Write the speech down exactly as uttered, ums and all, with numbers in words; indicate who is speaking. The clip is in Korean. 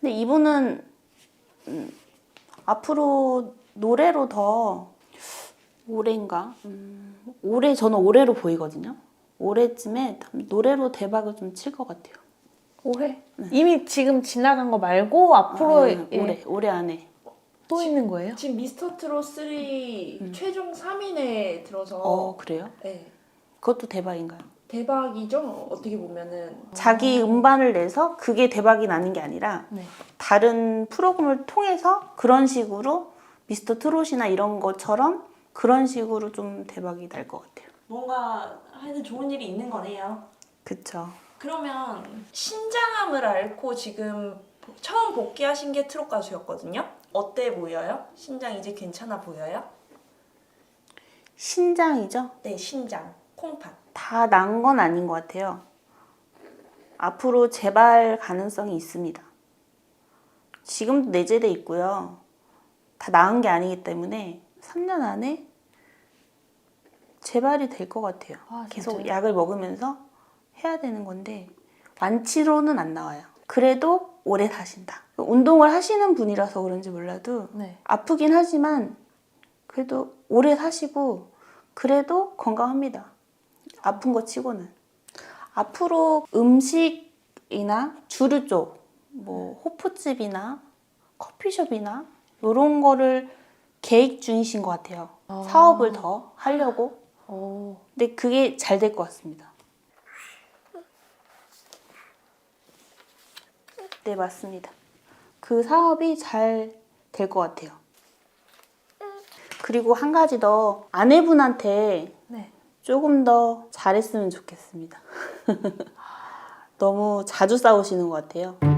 Speaker 1: 근데 이분은 음, 앞으로 노래로 더 올해인가? 음, 올해 저는 올해로 보이거든요. 올해쯤에 노래로 대박을 좀 칠 것 같아요.
Speaker 2: 올해?
Speaker 1: 네.
Speaker 2: 이미 지금 지나간 거 말고 앞으로
Speaker 1: 아, 네,
Speaker 2: 예,
Speaker 1: 올해 올해 안에.
Speaker 2: 또 있는 거예요?
Speaker 3: 지금 미스터 트롯 삼
Speaker 1: 음.
Speaker 3: 최종 삼 인에 들어서
Speaker 1: 어 그래요?
Speaker 3: 네.
Speaker 1: 그것도 대박인가요?
Speaker 3: 대박이죠. 어떻게 보면은
Speaker 1: 자기 음반을 내서 그게 대박이 나는 게 아니라
Speaker 2: 네.
Speaker 1: 다른 프로그램을 통해서 그런 식으로 미스터 트롯이나 이런 것처럼 그런 식으로 좀 대박이 날 것 같아요.
Speaker 4: 뭔가 하여튼 좋은 일이 있는 거네요.
Speaker 1: 그쵸.
Speaker 4: 그러면 신장암을 앓고 지금 처음 복귀하신 게 트롯 가수였거든요. 어때 보여요? 신장 이제 괜찮아 보여요?
Speaker 1: 신장이죠?
Speaker 4: 네, 신장, 콩팥.
Speaker 1: 다 난 건 아닌 것 같아요. 앞으로 재발 가능성이 있습니다. 지금도 내재돼 있고요. 다 나은 게 아니기 때문에 삼 년 안에 재발이 될 것 같아요.
Speaker 2: 아,
Speaker 1: 계속
Speaker 2: 진짜요?
Speaker 1: 약을 먹으면서 해야 되는 건데 완치로는 안 나와요. 그래도 오래 사신다. 운동을 하시는 분이라서 그런지 몰라도
Speaker 2: 네.
Speaker 1: 아프긴 하지만 그래도 오래 사시고 그래도 건강합니다. 아픈 거 치고는. 앞으로 음식이나 주류 쪽, 뭐 호프집이나 커피숍이나 이런 거를 계획 중이신 것 같아요.
Speaker 2: 아.
Speaker 1: 사업을 더 하려고.
Speaker 2: 오.
Speaker 1: 근데 그게 잘 될 것 같습니다. 네, 맞습니다. 그 사업이 잘 될 것 같아요. 그리고 한 가지 더 아내분한테
Speaker 2: 네.
Speaker 1: 조금 더 잘했으면 좋겠습니다. 너무 자주 싸우시는 것 같아요.